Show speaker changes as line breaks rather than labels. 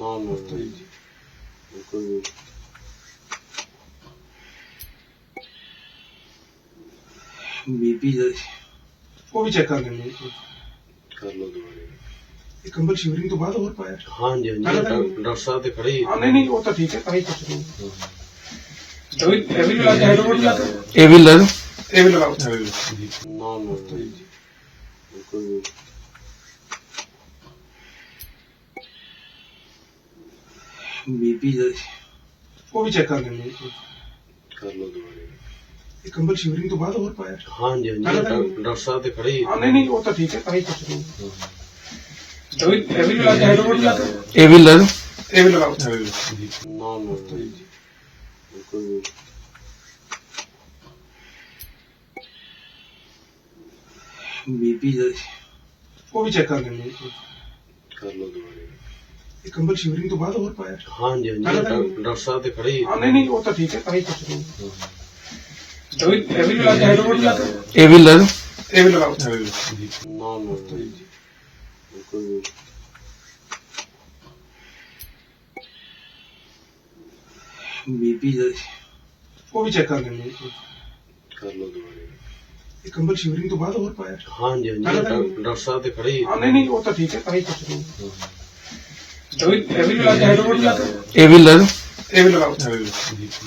ਨਾ ਨਾ ਕੋਈ
ਬੀਪੀ ਦਾ ਉਹ ਵੀ ਚੈੱਕ ਕਰ ਲੈਂਦੇ
ਕਰ ਲਓ ਦੁਬਾਰੇ।
ਇਹ ਕੰਬਲ ਸ਼ਿਵਰਿੰਗ ਤੋਂ ਬਾਅਦ ਹੋਰ ਪਾਇਆ
ਹਾਂਜੀ ਹਾਂਜੀ ਡਾਕਟਰ ਸਾਹਿਬ ਤੇ ਖੜੇ ਹੀ।
ਹਾਂ ਨਹੀਂ ਉਹ ਤਾਂ ਠੀਕ ਹੈ ਆਹੀ ਕੁਛ ਨਹੀਂ ਇਹ ਵੀ ਲਗਾ
ਨਾ ਨਾ ਕੋਈ
ਬੀਪੀ ਦਾ ਉਹ ਵੀ ਚੈੱਕ ਕਰ ਲੈਂਦੇ
ਕਰ ਲਓ ਦੁਬਾਰੇ।
ਇਹ ਕੰਬਲ ਸ਼ਿਵਰਿੰਗ ਤੋਂ ਬਾਅਦ ਹੋਰ ਪਾਇਆ
ਹਾਂਜੀ ਹਾਂਜੀ ਡਾਕਟਰ ਸਾਹਿਬ ਤੇ ਖੜੇ ਹੀ।
ਹਾਂ ਨਹੀਂ ਉਹ ਤਾਂ ਠੀਕ ਹੈ ਆਹੀ ਕੁਛ ਨਹੀਂ ਇਹ ਵੀ ਲਗਾਓ
ਨਾ ਨਾ ਕੋਈ
ਬੀਪੀ ਦਾ ਉਹ ਵੀ ਚੈੱਕ ਕਰ ਲੈਂਦੇ
ਕਰ ਲਓ ਦੁਬਾਰੇ।
ਇਹ ਕੰਬਲ ਸ਼ਿਵਰਿੰਗ ਤੋਂ ਬਾਅਦ ਹੋਰ ਪਾਇਆ
ਹਾਂਜੀ ਹਾਂਜੀ ਡਾਕਟਰ ਸਾਹਿਬ ਤੇ ਖੜੇ ਹੀ।
ਹਾਂ ਨਹੀਂ ਉਹ ਤਾਂ ਠੀਕ ਹੈ ਆਹੀ ਕੁਛ ਨਹੀਂ ਇਹ ਵੀ ਲਗਾਓ
ਨਾ ਨਾ ਕੋਈ
ਬੀਪੀ ਦਾ ਉਹ ਵੀ ਚੈੱਕ ਕਰ ਲੈਂਦੇ
ਕਰ ਲਓ ਦੁਬਾਰੇ।
ਇਹ ਕੰਬਲ ਸ਼ਿਵਰਿੰਗ ਤੋਂ ਬਾਅਦ ਹੋਰ ਪਾਇਆ
ਹਾਂਜੀ ਹਾਂਜੀ ਡਾਕਟਰ ਸਾਹਿਬ ਤੇ ਖੜੇ ਹੀ।
ਹਾਂ ਨਹੀਂ ਉਹ ਤਾਂ ਠੀਕ ਹੈ ਆਹੀ ਕੁਛ ਨਹੀਂ ਇਹ ਵੀ ਲਗਾਓ